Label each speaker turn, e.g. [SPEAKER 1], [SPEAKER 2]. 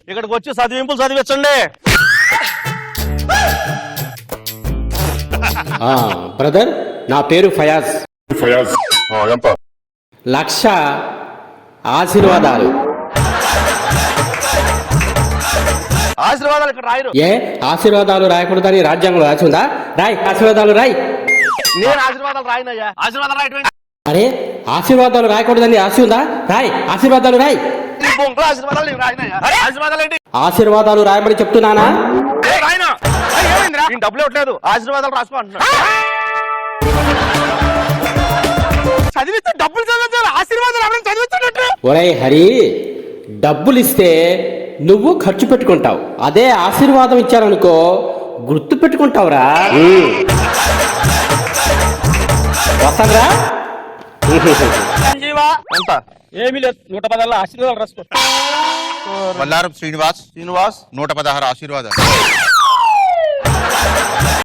[SPEAKER 1] ఇక్కడికి వచ్చి చదివింపులు చదివించండి.
[SPEAKER 2] బ్రదర్, నా పేరు ఫయాజ్.
[SPEAKER 3] ఎంత?
[SPEAKER 2] 1,00,000 ఆశీర్వాదాలు.
[SPEAKER 1] ఆశీర్వాదాలు ఇక్కడ రాయరు.
[SPEAKER 2] ఏ ఆశీర్వాదాలు రాయకూడదని రాజ్యాంగంలో రాసి ఉందా? రాయ్, ఆశీర్వాదాలు రాయ్.
[SPEAKER 1] నేను ఆశీర్వాదాలు రాయనయ్యా. ఆశీర్వాదాలు రాయటం
[SPEAKER 2] అరే, ఆశీర్వాదాలు రాయకూడదని రాసి ఉందా? రాయ్, ఆశీర్వాదాలు రాయ్.
[SPEAKER 1] ఆశీర్వాదాలు నేను రాయనయ్యా. ఆశీర్వాదాలు ఏంటి?
[SPEAKER 2] ఆశీర్వాదాలు రాయమని చెప్తున్నానా?
[SPEAKER 1] రాయనా? నేను డబ్బులు ఇవ్వట్లేదు. ఆశీర్వాదాలు రాసుకో అంటున్నా. చదివిస్తే డబ్బులు చదివించాలి. ఆశీర్వాదాలు ఎవరైనా చదివించినట్టు.
[SPEAKER 2] ఒరేయ్ హరి, డబ్బులు ఇస్తే నువ్వు ఖర్చు పెట్టుకుంటావు. అదే ఆశీర్వాదం ఇచ్చారనుకో గుర్తు పెట్టుకుంటావురా. వస్తారా?
[SPEAKER 1] ఎంత? ఏమీ లేదు. 116 ఆశీర్వాదాలు రాసుకో.
[SPEAKER 3] వల్లారం శ్రీనివాస్ 116 ఆశీర్వాదాలు.